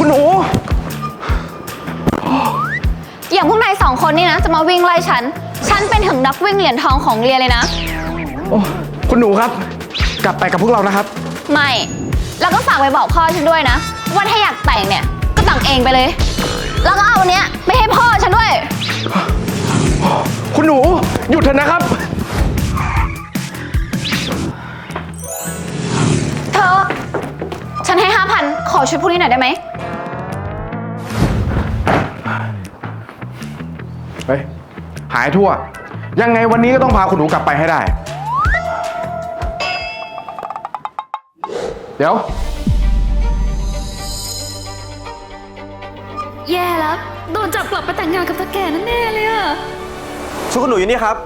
คุณหนูอย่างพวกนาย2 คนนี่นะจะมาวิ่งไล่ฉันเป็นถึงนักวิ่งเหรียญทองของเรียนเลยนะโอ้คุณหนูครับกลับไปกับพวกเรานะครับไม่แล้วก็ฝากไปบอกพ่อฉันด้วยนะว่าถ้าอยากแต่งเนี่ยก็แต่งเองไปเลยแล้วก็เอาอันเนี้ยไปให้พ่อฉันด้วยคุณหนูหยุดเถอะนะครับเธอฉันให้5,000ขอชุดพวกนี้หน่อยได้ไหมเฮ้ยหายทั่วยังไงวันนี้ก็ต้องพาคุณหนูกลับไปให้ได้เดี๋ยวแย่แล้วโดนจับกลับไปแต่งงานกับตาแก่นั่นแน่เลยอะชุดคุณหนูอยู่นี่ครับ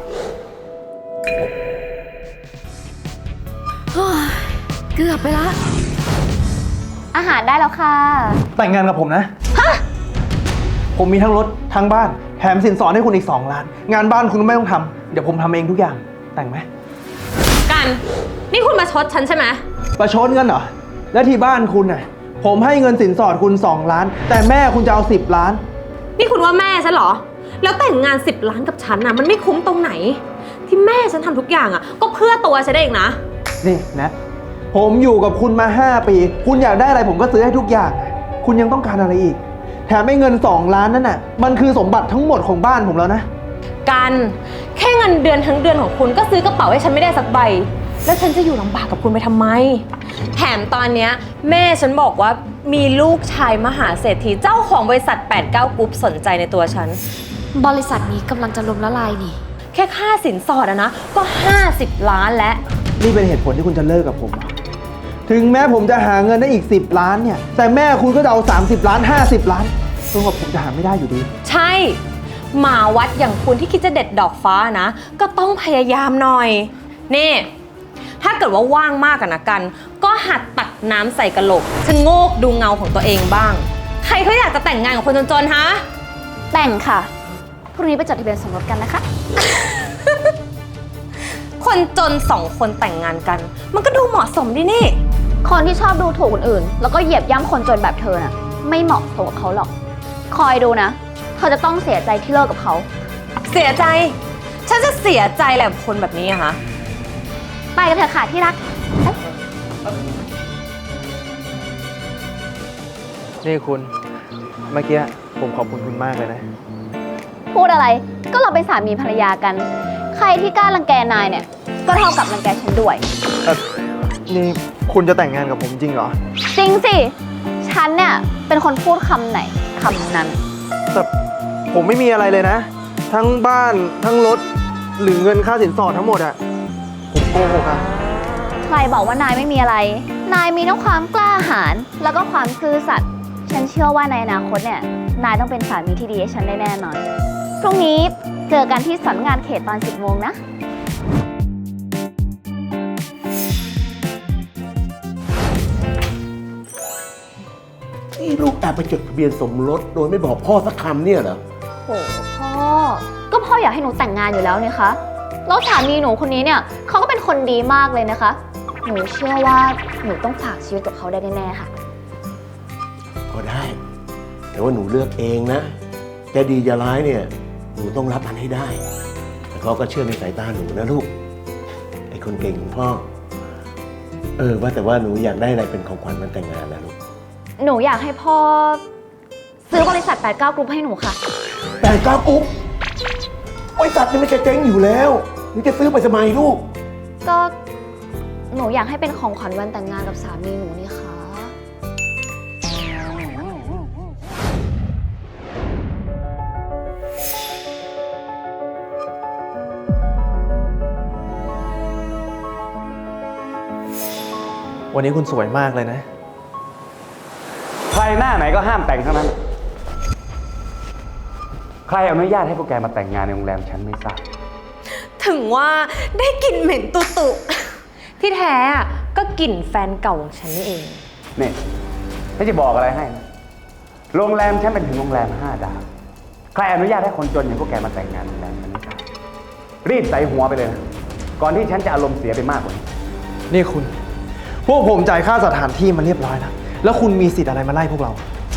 เกือบไปละอาหารได้แล้วค่ะแต่งงานกับผมนะผมมีทั้งรถทั้งบ้านแถมสินสอดให้คุณอีก2 ล้านงานบ้านคุณไม่ต้องทำเดี๋ยวผมทำเองทุกอย่างแต่งไหมกันนี่คุณมาชดฉันใช่ไหมประชดเงินเหรอแล้วที่บ้านคุณน่ะผมให้เงินสินสอดคุณ2 ล้านแต่แม่คุณจะเอา10 ล้านนี่คุณว่าแม่ฉันเหรอแล้วแต่งงาน10 ล้านกับฉันน่ะมันไม่คุ้มตรงไหนที่แม่ฉันทำทุกอย่างอ่ะก็เพื่อตัวฉันเองนะนี่นะผมอยู่กับคุณมา5 ปีคุณอยากได้อะไรผมก็ซื้อให้ทุกอย่างคุณยังต้องการอะไรอีกแถมไอ้เงิน2 ล้านนั่นน่ะมันคือสมบัติทั้งหมดของบ้านผมแล้วนะกันแค่เงินเดือนทั้งเดือนของคุณก็ซื้อกระเป๋าให้ฉันไม่ได้สักใบแล้วฉันจะอยู่ลำบากกับคุณไปทำไมแถมตอนเนี้ยแม่ฉันบอกว่ามีลูกชายมหาเศรษฐีเจ้าของบริษัท89กรุ๊ปสนใจในตัวฉันบริษัทนี้กำลังจะล้มละลายนี่แค่ค่าสินสอดอะนะก็50 ล้านแล้วนี่เป็นเหตุผลที่คุณจะเลิกกับผมถึงแม้ผมจะหาเงินได้อีก10 ล้านเนี่ยแต่แม่คุณก็จะเอา30 ล้าน50 ล้านซึ่งว่าผมจะหาไม่ได้อยู่ดีใช่หมาวัดอย่างคุณที่คิดจะเด็ดดอกฟ้านะก็ต้องพยายามหน่อยนี่ถ้าเกิดว่าว่างมากกันนะกันก็หัดตักน้ำใส่กระโหลกชะโงกดูเงาของตัวเองบ้างใครเขาอยากจะแต่งงานกับคนจนๆฮะแต่งค่ะพรุ่งนี้ไปจดทะเบียนสมรสกันนะคะคนจน2 คนแต่งงานกันมันก็ดูเหมาะสมดินี่คนที่ชอบดูถูกคนอื่นแล้วก็เหยียบย่ำคนจนแบบเธอน่ะไม่เหมาะสมกับเขาหรอกคอยดูนะเธอจะต้องเสียใจที่เลิกกับเขาเสียใจฉันจะเสียใจแหละคนแบบนี้อะฮะไปกันเถอะค่ะที่รักนี่คุณเมื่อกี้ผมขอบคุณคุณมากเลยนะพูดอะไรก็เราเป็นสามีภรรยากันใครที่กล้ารังแกนายเนี่ยก็เท่ากับรังแกฉันด้วยนี่คุณจะแต่งงานกับผมจริงเหรอจริงสิฉันเนี่ยเป็นคนพูดคำไหนคำนั้นแต่ผมไม่มีอะไรเลยนะทั้งบ้านทั้งรถหรือเงินค่าสินสอดทั้งหมดอะผมโกหกอะใครบอกว่านายไม่มีอะไรนายมีทั้งความกล้าหาญแล้วก็ความซื่อสัตย์ฉันเชื่อว่าในอนาคตเนี่ยนายต้องเป็นสามีที่ดีให้ฉันได้แน่นอนพรุ่งนี้เจอกันที่สำนักงานเขตตอน 10 โมงนะนี่ลูกแอบไปจดทะเบียนสมรสโดยไม่บอกพ่อสักคำเนี่ยเหรอโอ้พ่อก็พ่ออยากให้หนูแต่งงานอยู่แล้วเนี่ยคะแล้วสามีหนูคนนี้เนี่ยเขาก็เป็นคนดีมากเลยนะคะหนูเชื่อว่าหนูต้องฝากชีวิตกับเขาได้แน่ๆค่ะก็ได้แต่ว่าหนูเลือกเองนะจะดีจะร้ายเนี่ยหนูต้องรับมันให้ได้แต่เขาก็เชื่อในสายตาหนูนะลูกไอ้คนเก่งของพ่อว่าแต่ว่าหนูอยากได้อะไรเป็นของขวัญวันแต่งงานนะลูกหนูอยากให้พ่อซื้อบริษัท89กรุ๊ปให้หนูค่ะ 89กรุ๊ปบริษัทนี่มันจะเจ๊งอยู่แล้วหนูจะซื้อไปทำไมลูกก็หนูอยากให้เป็นของขวัญวันแต่งงานกับสามีหนูนี่ค่ะวันนี้คุณสวยมากเลยนะใครหน้าไหนก็ห้ามแต่งทั้งนั้นใครอนุญาตให้พวกแกมาแต่งงานในโรงแรมฉันไม่ทราบถึงว่าได้กลิ่นเหม็นตุที่แท้ก็กลิ่นแฟนเก่าของฉันนี่เองนี่ไม่จะบอกอะไรให้นะโรงแรมฉันเป็นถึงโรงแรม5 ดาวใครอนุญาตให้คนจนอย่างพวกแกมาแต่งงานโรงแรมฉันไม่ทราบรีบใส่หัวไปเลยนะก่อนที่ฉันจะอารมณ์เสียไปมากกว่านี้นี่คุณพวกผมจ่ายค่าสถานที่มาเรียบร้อยแล้วคุณมีสิทธิ์อะไรมาไล่พวกเรา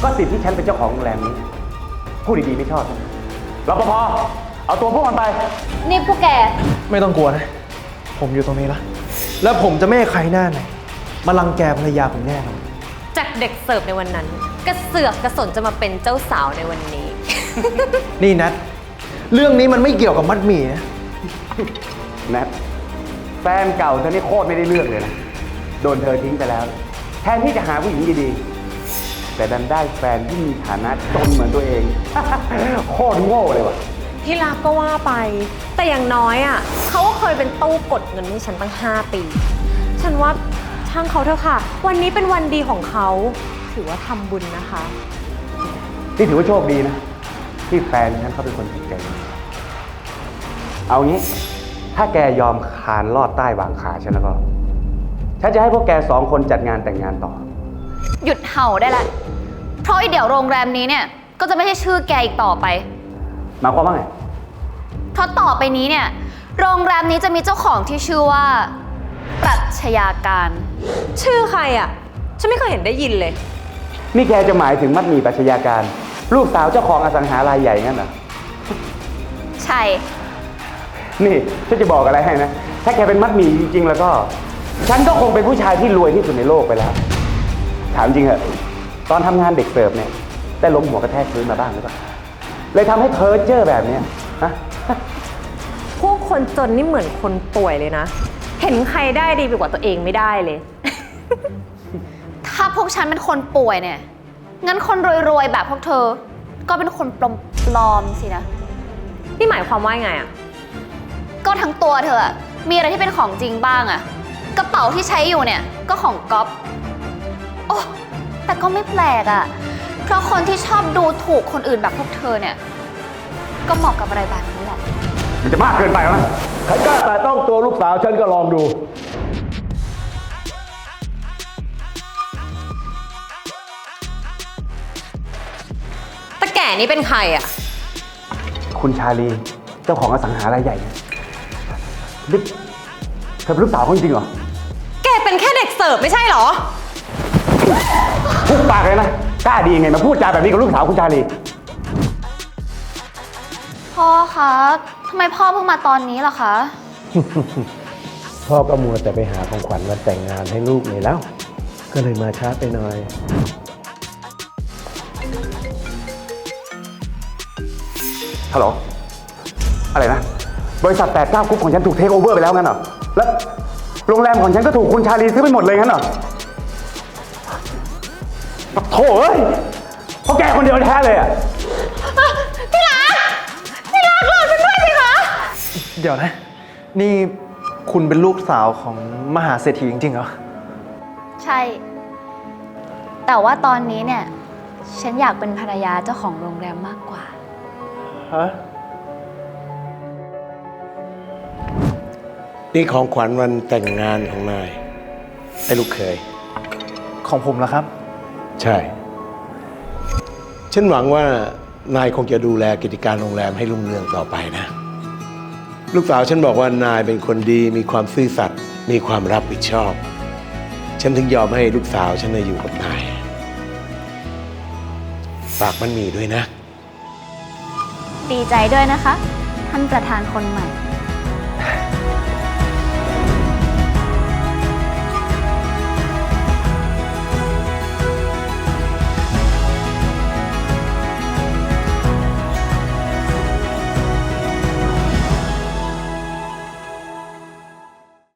ก็สิทธิ์ที่ฉันเป็นเจ้าของโรงแรมนี้พูดดีๆไม่ชอบรปภเอาตัวพวกมันไปนี่พวกแกไม่ต้องกลัวนะ ผมอยู่ตรงนี้ละแล้วผมจะไม่ให้ใครหน้าไหนมารังแกภรรยาผมแน่นอนจากเด็กเสิร์ฟในวันนั้น กระเสือกกระสนจะมาเป็นเจ้าสาวในวันนี้นี่นัทเรื่องนี้มันไม่เกี่ยวกับมัดหมี่นะแนทแฟนเก่าเธอนี่โคตรไม่ได้เรื่องเลยนะ โดนเธอทิ้งไปแล้ว แทนที่จะหาผู้หญิงดีๆ แต่ดันได้แฟนที่มีฐานะจนเหมือนตัวเอง โคตรโง่เลยว่ะที่รักก็ว่าไป แต่อย่างน้อยอ่ะเขาก็เคยเป็นตู้กดเงินให้ฉันตั้ง 5 ปี ฉันว่าช่างเขาเถอะค่ะ วันนี้เป็นวันดีของเขา ถือว่าทำบุญนะคะนี่ถือว่าโชคดีนะ ที่แฟนฉันเขาเป็นคนจิตใจดีเอางี้ ถ้าแกยอมคานลอดใต้วางขาฉันแล้วก็ ฉันจะให้พวกแก2 คนจัดงานแต่งงานต่อหยุดเห่าได้ละ เพราะไอเดี๋ยวโรงแรมนี้เนี่ย ก็จะไม่ใช่ชื่อแกอีกต่อไปหมายความว่าไงเพราะต่อไปนี้เนี่ย โรงแรมนี้จะมีเจ้าของที่ชื่อว่า ปรัชญาการชื่อใครอ่ะ ฉันไม่เคยเห็นได้ยินเลยนี่แกจะหมายถึงมัดหมี่ปรัชญาการ ลูกสาวเจ้าของอสังหารายใหญ่งั้นเหรอใช่นี่ฉันจะบอกอะไรให้นะ ถ้าแกเป็นมัดหมี่จริงๆแล้วก็ ฉันก็คงเป็นผู้ชายที่รวยที่สุดในโลกไปแล้ว ถามจริงเหอะตอนทำงานเด็กเสิร์ฟเนี่ยได้ล้มหัวกระแทกพื้นมาบ้างหรือเปล่าเลยทำให้เพ้อเจ้อแบบเนี้ยฮะพวกคนจนนี่เหมือนคนป่วยเลยนะ เห็นใครได้ดีไปกว่าตัวเองไม่ได้เลยถ้าพวกฉันเป็นคนป่วยเนี่ย งั้นคนรวยๆแบบพวกเธอ ก็เป็นคนปลอมๆสินะนี่หมายความว่าไงอ่ะก็ทั้งตัวเธออะมีอะไรที่เป็นของจริงบ้างอะกระเป๋าที่ใช้อยู่เนี่ยก็ของก๊อฟโอ้แต่ก็ไม่แปลกอะเพราะคนที่ชอบดูถูกคนอื่นแบบพวกเธอเนี่ย ก็เหมาะกับอะไรแบบนี้แหละมันจะมากเกินไปแล้วนะใครกล้าแต่ต้องตัวลูกสาวฉันก็ลองดูแต่แก่นี่เป็นใครอ่ะคุณชาลีเจ้าของอสังหารายใหญ่เนี่ยนี่เธอเป็นลูกสาวเขาจริงๆเหรอแกเป็นแค่เด็กเสิร์ฟไม่ใช่เหรอพูดปากเลยนะกล้าดียังไงมาพูดจาแบบนี้กับลูกสาวคุณชาลีพ่อคะทำไมพ่อเพิ่งมาตอนนี้ล่ะคะพ่อก็มัวแต่ไปหาของขวัญวันแต่งงานให้ลูกเลยแล้ว ก็เลยมาช้าไปหน่อยฮัลโหล อะไรนะ บริษัท89กรุ๊ปของฉันถูกเทคโอเวอร์ไปแล้วงั้นเหรอ แล้วโรงแรมของฉันก็ถูกคุณชาลีซื้อไปหมดเลยงั้นเหรอโถ่เอ้ยเพราะแกคนเดียวแท้เลยอ่ะเดี๋ยวนะ นี่คุณเป็นลูกสาวของมหาเศรษฐีจริงๆเหรอใช่ แต่ว่าตอนนี้เนี่ย ฉันอยากเป็นภรรยาเจ้าของโรงแรมมากกว่าฮะนี่ของขวัญวันแต่งงานของนาย ไอ้ลูกเคยของผมเหรอครับใช่ ฉันหวังว่านายคงจะดูแลกิจการโรงแรมให้รุ่งเรืองต่อไปนะ ลูกสาวฉันบอกว่านายเป็นคนดี มีความซื่อสัตย์ มีความรับผิดชอบ ฉันถึงยอมให้ลูกสาวฉันอยู่กับนาย ฝากมันมีด้วยนะดีใจด้วยนะคะ ท่านประธานคนใหม่